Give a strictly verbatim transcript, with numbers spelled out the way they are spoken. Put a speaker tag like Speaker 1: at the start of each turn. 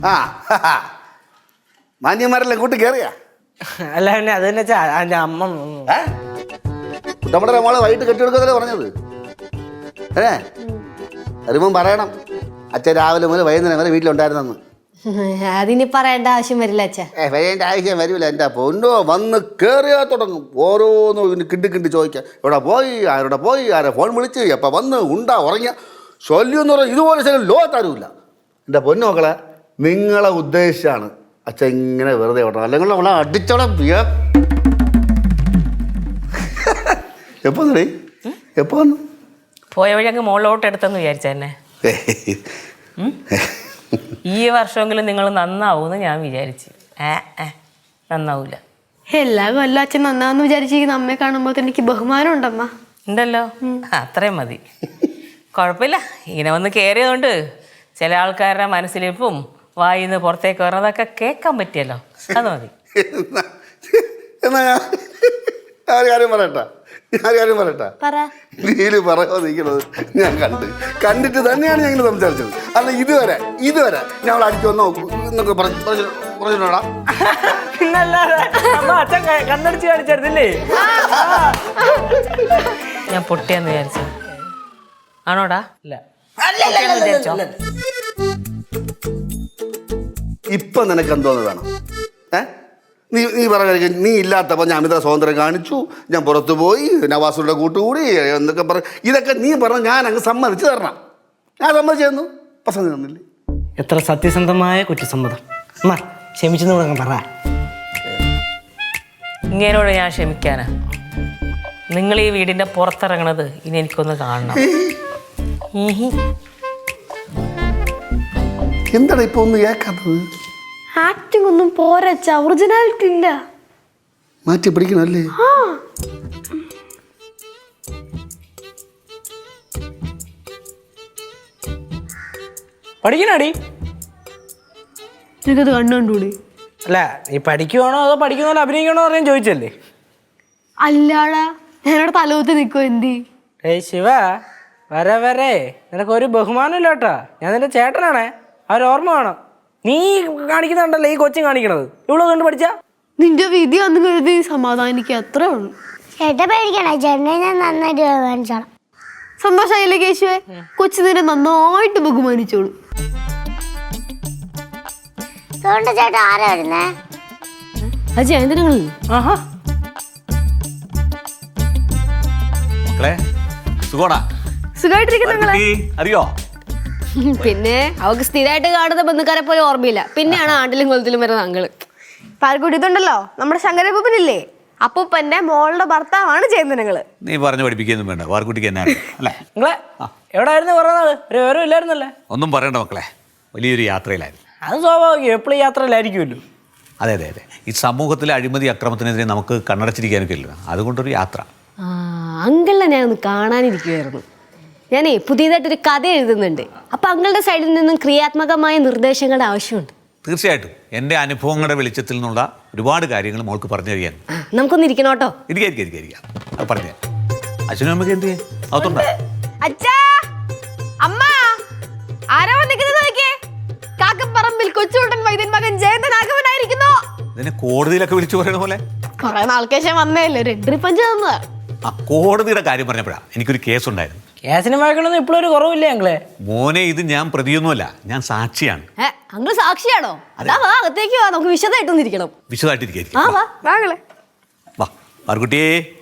Speaker 1: ആ മാന്യന്മാരെല്ലാം കൂട്ടി കയറിയാ?
Speaker 2: അല്ല പിന്നെ അത് തന്നെ അതിന്റെ അമ്മ
Speaker 1: നമ്മുടെ മോളെ വൈകിട്ട് കെട്ടിയെടുക്കതല്ലേ പറഞ്ഞത്. ഏ വരുമ്പം പറയണം അച്ഛൻ രാവിലെ മുതൽ വൈകുന്നേരം വരെ വീട്ടിലുണ്ടായിരുന്നെന്ന്.
Speaker 3: അതിനി പറയേണ്ട ആവശ്യം വരില്ല അച്ഛാ.
Speaker 1: ഏ വരേണ്ട ആവശ്യം വരില്ല. എൻ്റെ പൊന്നോ വന്ന് കയറിയാ തുടങ്ങും ഓരോന്നും ഇതിന് കിണ്ടി കിണ്ടി ചോദിക്കാം. എവിടെ പോയി, ആരോടെ പോയി, ആരെ ഫോൺ വിളിച്ച്, എപ്പോൾ വന്ന്, ഉണ്ടാ ഉറങ്ങിയ ശല്യം എന്ന് പറഞ്ഞാൽ ഇതുപോലെ ശല്യം ലോകത്താരുമില്ല. എൻ്റെ പൊന്നു മക്കളെ, നിങ്ങളെ ഉദ്ദേശിച്ചാണ് അച്ഛൻ ഇങ്ങനെ വെറുതെ വിടണം. അല്ലെങ്കിൽ അവളെ അടിച്ചോളെ എപ്പോ നീ എപ്പോ വന്നു?
Speaker 4: പോയ വഴി അങ്ങ് മുകളിലോട്ട് എടുത്തെന്ന് വിചാരിച്ചെന്നെ. ഈ വർഷമെങ്കിലും നിങ്ങൾ നന്നാവൂന്ന് ഞാൻ വിചാരിച്ചു. ഏ ഏ നന്നാവൂല.
Speaker 3: എല്ലാ കൊല്ലം അച്ഛൻ നന്നാന്ന് വിചാരിച്ചിരിക്കുന്ന അമ്മയെ കാണുമ്പോൾ എനിക്ക് ബഹുമാനം ഉണ്ടമ്മ.
Speaker 4: ഉണ്ടല്ലോ, അത്രയും മതി. കുഴപ്പമില്ല. ഇങ്ങനെ വന്ന് കയറിയതുകൊണ്ട് ചില ആൾക്കാരുടെ മനസ്സിലിപ്പും വായിന്ന് പുറത്തേക്ക് വരുന്നതൊക്കെ കേൾക്കാൻ പറ്റിയല്ലോ, അത് മതി.
Speaker 1: എന്നാ ഞാൻ കാര്യം പറയട്ടാ ഞാൻ കാര്യം പറയട്ടാ നീല് പറയോ നിൽക്കണത് ഞാൻ കണ്ട് കണ്ടിട്ട് തന്നെയാണ് ഞങ്ങൾ സംസാരിച്ചത്. അല്ല ഇതുവരെ ഇതുവരെ ഞങ്ങൾ അടിച്ചു വന്നോ എന്നൊക്കെ പറഞ്ഞിട്ടുണ്ടോടാ?
Speaker 2: അച്ഛൻ കണ്ണടിച്ച് കാണിച്ചായിരുന്നില്ലേ?
Speaker 4: ഞാൻ പൊട്ടിയെന്ന് വിചാരിച്ചു ആണോടാ?
Speaker 2: ഇല്ല.
Speaker 1: ഇപ്പൊ നിനക്ക് എന്തോന്ന് വേണം? ഏ നീ നീ പറഞ്ഞ നീ ഇല്ലാത്തപ്പോൾ ഞാൻ അമിത സ്വാതന്ത്ര്യം കാണിച്ചു, ഞാൻ പുറത്തു പോയി, നവാസുടെ കൂട്ടുകൂടി എന്നൊക്കെ പറ. ഇതൊക്കെ നീ പറഞ്ഞ ഞാൻ അങ്ങ് സമ്മതിച്ച് തരണം. ഞാൻ സമ്മതിച്ചു തന്നു, പസന്ത് തന്നില്ലേ?
Speaker 2: എത്ര സത്യസന്ധമായ കുറ്റസമ്മതം. അമ്മ ക്ഷമിച്ചെന്ന് കൂടെ പറ.
Speaker 4: ഇങ്ങനോട് ഞാൻ ക്ഷമിക്കാനാ? നിങ്ങൾ ഈ വീടിന്റെ പുറത്തിറങ്ങണത് ഇനി എനിക്കൊന്ന് കാണണം.
Speaker 1: എന്താണ് ഇപ്പൊ ഒന്ന് കേൾക്കാത്തത്?
Speaker 3: ആക്ടിംഗ് ഒന്നും പോരച്ച, ഒറിജിനാലിറ്റി ഇല്ല.
Speaker 1: മാറ്റി പിടിക്കണല്ലേ?
Speaker 2: പഠിക്കണടി?
Speaker 3: എനിക്കത് കണ്ടുകൂടി.
Speaker 2: അല്ല നീ പഠിക്കുവാണോ അതോ പഠിക്കുന്നോ അഭിനയിക്കണോ അറിയാൻ ചോദിച്ചല്ലേ?
Speaker 3: അല്ലാടാ ഞാനവിടെ തലകുത്തി നിൽക്കുമോ എന്തി?
Speaker 2: ഏയ് ശിവ, വരെ വരെ നിനക്ക് ഒരു ബഹുമാനം ഇല്ല കേട്ടാ. ഞാൻ നിന്റെ ചേട്ടനാണേ, അവരോർമ്മ വേണം. നീ കാണിക്കുന്നുണ്ടല്ലോ ഈ കൊച്ചും കാണിക്കണത്. ഇവിടെ കണ്ട് പഠിച്ച
Speaker 3: നിന്റെ വിധി വന്നു കരുതി സമാധാനിക്കുക, അത്രേ ഉള്ളൂ.
Speaker 5: ചേട്ടാ പേടിക്കണേ, ചേട്ടനെ ഞാൻ നന്നായിട്ട് ബഹുമാനിച്ചോളാം.
Speaker 3: സന്തോഷമായില്ലേ കേശുവേ? കൊച്ചു നിന്നെ നന്നായിട്ട് ബഹുമാനിച്ചോളൂ.
Speaker 5: അതുകൊണ്ട് ചേട്ടാ ആരാ വരുന്നേ?
Speaker 3: അത് ജയന്തനങ്ങൾ.
Speaker 2: ആഹാ
Speaker 6: മക്കളെ സുഖോടാ?
Speaker 3: സുഖമായിട്ടിരിക്കുന്ന
Speaker 6: അറിയോ?
Speaker 3: പിന്നെ അവക്ക് സ്ഥിരമായിട്ട് കാണുന്ന ബന്ധുക്കാരെ പോലെ ഓർമ്മയില്ല. പിന്നെയാണ് ആണ്ടിലും കൊലത്തിലും വരുന്ന അങ്ങള്. പാൽക്കുടി ഇതുണ്ടല്ലോ, നമ്മുടെ ശങ്കരപ്പൂപ്പനില്ലേ, അപ്പൂപ്പന്റെ മോളുടെ ഭർത്താവാണ് ജയന്തനങ്ങള്.
Speaker 6: നീ പറഞ്ഞു പഠിപ്പിക്കൊന്നും വേണ്ട, വാർക്കുട്ടിക്ക് എന്നാ അല്ലേ?
Speaker 2: നിങ്ങളെ എവിടെയായിരുന്നു കുറേ നാള്? ഒരു വിവരം ഇല്ലായിരുന്നല്ലേ?
Speaker 6: ഒന്നും പറയണ്ട മക്കളെ, വലിയൊരു യാത്രയിലായിരുന്നു.
Speaker 2: അത് സ്വാഭാവികം, എപ്പോഴും യാത്രയിലായിരിക്കുമല്ലോ.
Speaker 6: അതെ അതെ അതെ ഈ സമൂഹത്തിലെ അഴിമതി അക്രമത്തിനെതിരെ നമുക്ക് കണ്ണടച്ചിരിക്കാനൊക്കെ ഇല്ല, അതുകൊണ്ടൊരു യാത്ര.
Speaker 3: ആ അങ്കിളിനെ ഞാൻ ഒന്ന് കാണാനിരിക്കുമായിരുന്നു. ഞാനേ പുതിയതായിട്ടൊരു കഥ എഴുതുന്നുണ്ട്. അപ്പം അങ്ങളുടെ സൈഡിൽ നിന്നും ക്രിയാത്മകമായ നിർദ്ദേശങ്ങളുടെ ആവശ്യമുണ്ട്.
Speaker 6: തീർച്ചയായിട്ടും എൻ്റെ അനുഭവങ്ങളുടെ വെളിച്ചത്തിൽ നിന്നുള്ള ഒരുപാട് കാര്യങ്ങൾ മോൾക്ക് പറഞ്ഞു തരികയാണ്.
Speaker 3: നമുക്കൊന്ന് ഇരിക്കണം കേട്ടോ.
Speaker 6: ഇരിക്കാം ഇരിക്കാം ഇരിക്കാം അത് പറഞ്ഞു അച്ഛനും അമ്മയ്ക്ക് എന്ത് ചെയ്യാം അകത്തുണ്ടോ?
Speaker 3: അച്ഛാ, അമ്മ, ആരാ വന്നിരിക്കുന്നത് നോക്കിയേ? കാക്കപ്പറമ്പിൽ കൊച്ചുകുട്ടൻ വൈദ്യൻ മകൻ ജയന്തൻ ആഗമനായിരിക്കുന്നു.
Speaker 6: ഇതിനെ കോടതിയിലൊക്കെ വിളിച്ചു പറയുന്ന പോലെ
Speaker 3: കുറെ നാൾക്ക് ശേഷം വന്നേല്ലേ, ഒരു എൻട്രി പഞ്ച് തന്നതാ.
Speaker 6: ആ കോടതിയുടെ കാര്യം പറഞ്ഞപ്പോഴാണ് എനിക്കൊരു കേസുണ്ടായിരുന്നു.
Speaker 2: കേസിന് വഴക്കണമെന്ന് ഇപ്പോഴും ഒരു കുറവില്ലേ ഞങ്ങളെ?
Speaker 6: മോനെ, ഇത് ഞാൻ പ്രതിയൊന്നുമല്ല, ഞാൻ സാക്ഷിയാണ്.
Speaker 3: ഏ അങ്കിൾ സാക്ഷിയാണോ? അതാ വാ, അകത്തേക്ക് വാ, നമുക്ക് വിശദമായിട്ടൊന്നിരിക്കണം.
Speaker 6: വിശദമായിട്ടിരിക്കും.
Speaker 3: ആ വാ വാങ്ങളെ.
Speaker 6: വാ പാർക്കുട്ടിയേ.